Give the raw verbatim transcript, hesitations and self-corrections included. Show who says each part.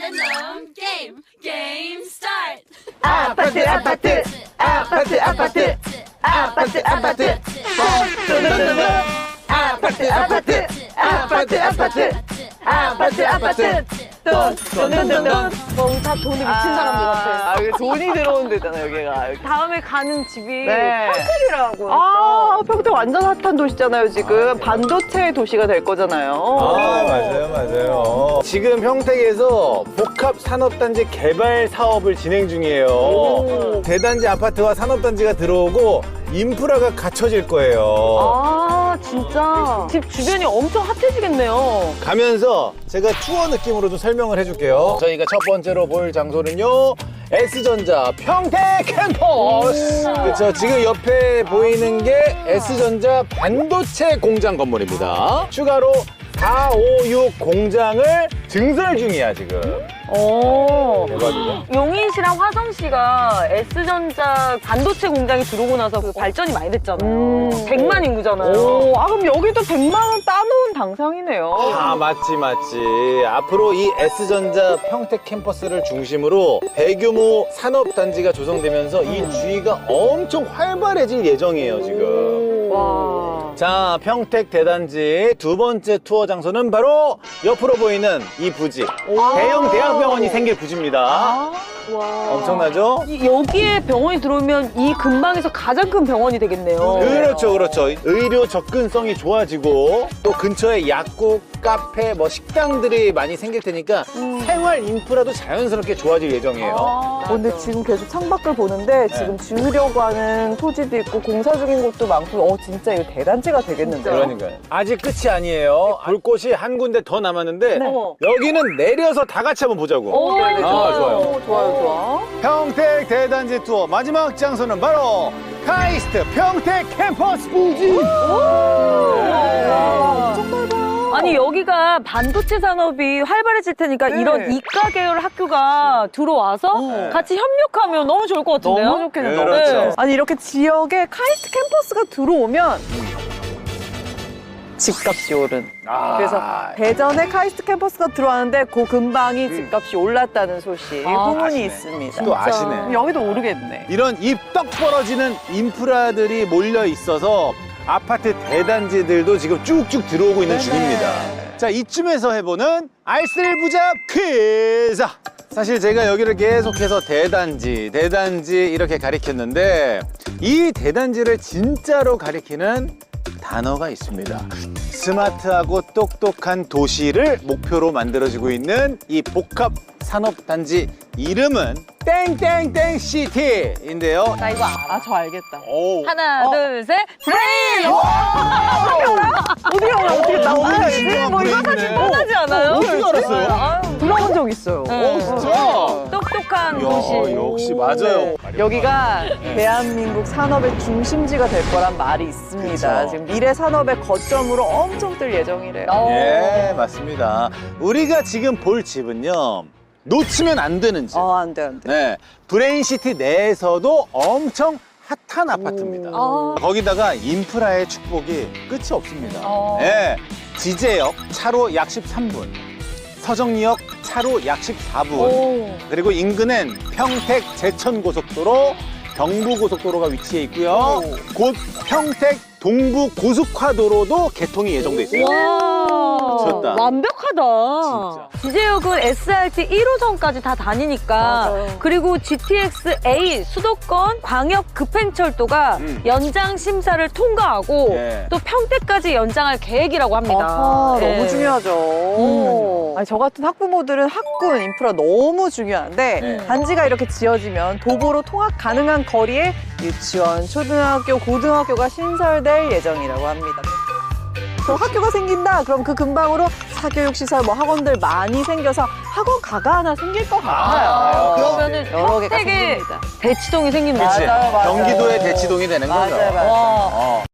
Speaker 1: 랜덤 게임 게임 스타트.
Speaker 2: 아파트 아파트 아파트 아파트 아파트 아파트 뚜루루루. 아파트 아파트 아파트 아파트 아파트 아파트 돈돈돈돈.
Speaker 3: 다 돈이 미친 사람들 같아.
Speaker 2: 아, 여기 돈이 들어온 데잖아 여기가. 여기.
Speaker 3: 다음에 가는 집이
Speaker 2: 네.
Speaker 3: 평택이라고.
Speaker 2: 아, 평택 완전 핫한 도시잖아요 지금. 반도체 도시가 될 거잖아요.
Speaker 4: 아, 맞아요, 맞아요. 지금 평택에서 복합산업단지 개발 사업을 진행 중이에요.
Speaker 2: 오.
Speaker 4: 대단지 아파트와 산업단지가 들어오고 인프라가 갖춰질 거예요.
Speaker 3: 아 진짜 집 주변이 엄청 핫해지겠네요.
Speaker 4: 가면서 제가 투어 느낌으로 좀 설명을 해줄게요. 저희가 첫 번째로 볼 장소는요, S전자 평택 캠퍼스. 그렇죠. 지금 옆에 보이는 게 S전자 반도체 공장 건물입니다. 추가로 사오육 공장을 증설 중이야 지금.
Speaker 3: 오.
Speaker 4: 대박이죠.
Speaker 3: 용인시랑 화성시가 S전자 반도체 공장이 들어오고 나서 그 발전이 많이 됐잖아요.
Speaker 2: 음.
Speaker 3: 백만 인구잖아요.
Speaker 2: 오, 아 그럼 여기도 백만 원 따놓은 당상이네요.
Speaker 4: 아, 맞지, 맞지. 앞으로 이 S전자 평택 캠퍼스를 중심으로 대규모 산업단지가 조성되면서 이 주위가 엄청 활발해질 예정이에요, 지금.
Speaker 3: 와.
Speaker 4: 자, 평택 대단지 두 번째 투어 장소는 바로 옆으로 보이는 이 부지. 대형 대학병원이 생길 부지입니다.
Speaker 3: 와.
Speaker 4: 엄청나죠?
Speaker 3: 이- 여기에 병원이 들어오면 이 근방에서 가장 큰 병원이 되겠네요.
Speaker 4: 그렇죠, 그렇죠. 의료 접근성이 좋아지고 또 근처에 약국, 카페, 뭐 식당들이 많이 생길 테니까 생활 인프라도 자연스럽게 좋아질 예정이에요.
Speaker 2: 어, 근데 지금 계속 창밖을 보는데 지금 지으려고 하는 토지도 있고 공사 중인 곳도 많고, 어 진짜 이거 대단지가 되겠는데요.
Speaker 4: 그러니까요. 아직 끝이 아니에요. 볼 곳이 한 군데 더 남았는데
Speaker 3: 어머.
Speaker 4: 여기는 내려서 다 같이 한번 보자고.
Speaker 3: 오,
Speaker 2: 네, 네,
Speaker 4: 아,
Speaker 2: 좋아요.
Speaker 4: 좋아요.
Speaker 2: 오, 좋아요, 좋아.
Speaker 4: 평택 대단지 투어 마지막 장소는 바로 카이스트 평택 캠퍼스 부지.
Speaker 3: 아니 여기가 반도체 산업이 활발해질 테니까
Speaker 2: 네.
Speaker 3: 이런 이과 계열 학교가 들어와서
Speaker 4: 네.
Speaker 3: 같이 협력하면 너무 좋을 것 같은데요?
Speaker 2: 너무 좋겠네요.
Speaker 4: 그렇죠.
Speaker 3: 네.
Speaker 2: 아니 이렇게 지역에 카이스트 캠퍼스가 들어오면 집값이 오른.
Speaker 4: 아,
Speaker 2: 그래서 대전에 카이스트 캠퍼스가 들어왔는데 그 근방이 집값이 올랐다는 소식
Speaker 3: 아,
Speaker 2: 후문이
Speaker 4: 아시네.
Speaker 2: 있습니다.
Speaker 4: 또 아시네.
Speaker 2: 그럼 여기도 오르겠네.
Speaker 4: 이런 입 떡 벌어지는 인프라들이 몰려 있어서 아파트 대단지들도 지금 쭉쭉 들어오고 있는
Speaker 2: 네네.
Speaker 4: 중입니다. 자, 이쯤에서 해보는 알쓸부잡 퀴즈. 사실 제가 여기를 계속해서 대단지, 대단지 이렇게 가리켰는데 이 대단지를 진짜로 가리키는 단어가 있습니다. 스마트하고 똑똑한 도시를 목표로 만들어지고 있는 이 복합 산업단지 이름은 땡땡땡 시티인데요.
Speaker 2: 나 이거 알아. 저 알겠다.
Speaker 4: 오.
Speaker 3: 하나,
Speaker 2: 어.
Speaker 3: 둘, 셋, 브레인!
Speaker 2: 어디 알아? 어떻게 나 어디 알지? 뭐 이거
Speaker 4: 사실
Speaker 3: 하지 않아요?
Speaker 4: 어떻게 알았어요?
Speaker 3: 아유,
Speaker 2: 들어본 적 있어요.
Speaker 3: 네.
Speaker 4: 오, 진짜?
Speaker 3: 똑똑한
Speaker 4: 야,
Speaker 3: 도시.
Speaker 4: 역시 맞아요.
Speaker 2: 여기가 대한민국 산업의 중심지가 될 거란 말이 있습니다.
Speaker 4: 그쵸.
Speaker 2: 지금 미래 산업의 거점으로 엄청 뜰 예정이래요.
Speaker 3: 어.
Speaker 4: 예, 맞습니다. 우리가 지금 볼 집은요, 놓치면 안 되는 집.
Speaker 2: 어, 안 돼, 안 돼.
Speaker 4: 네, 브레인시티 내에서도 엄청 핫한 아파트입니다.
Speaker 3: 아.
Speaker 4: 거기다가 인프라의 축복이 끝이 없습니다.
Speaker 3: 어.
Speaker 4: 네, 지제역 차로 약 십삼 분, 서정리역 차로 약 십사 분,
Speaker 3: 오.
Speaker 4: 그리고 인근엔 평택 제천고속도로, 경부고속도로가 위치해 있고요. 곧 평택 동부고속화도로도 개통이 예정돼 있습니다.
Speaker 3: 와.
Speaker 4: 미쳤다.
Speaker 3: 완벽하다. 지제역은 에스알티 일 호선까지 다 다니니까
Speaker 2: 맞아요.
Speaker 3: 그리고 지티엑스 A 수도권 광역 급행철도가
Speaker 4: 음.
Speaker 3: 연장 심사를 통과하고
Speaker 4: 예.
Speaker 3: 또 평택까지 연장할 계획이라고 합니다.
Speaker 2: 아하,
Speaker 3: 예.
Speaker 2: 너무 중요하죠.
Speaker 3: 음.
Speaker 2: 아니, 저 같은 학부모들은 학군 인프라 너무 중요한데
Speaker 4: 네.
Speaker 2: 단지가 이렇게 지어지면 도보로 통학 가능한 거리에 유치원, 초등학교, 고등학교가 신설될 예정이라고 합니다. 그 학교가 생긴다. 그럼 그 근방으로 사교육 시설, 뭐 학원들 많이 생겨서 학원 가가 하나 생길 것 같아요.
Speaker 3: 아, 그러면은
Speaker 2: 여러 개가
Speaker 3: 평택에
Speaker 2: 생깁니다.
Speaker 3: 대치동이 생기면
Speaker 4: 그치?
Speaker 2: 맞아요, 맞아요.
Speaker 4: 경기도의 대치동이 되는 거죠.
Speaker 2: 맞아요, 맞아요.
Speaker 3: 와.
Speaker 4: 어.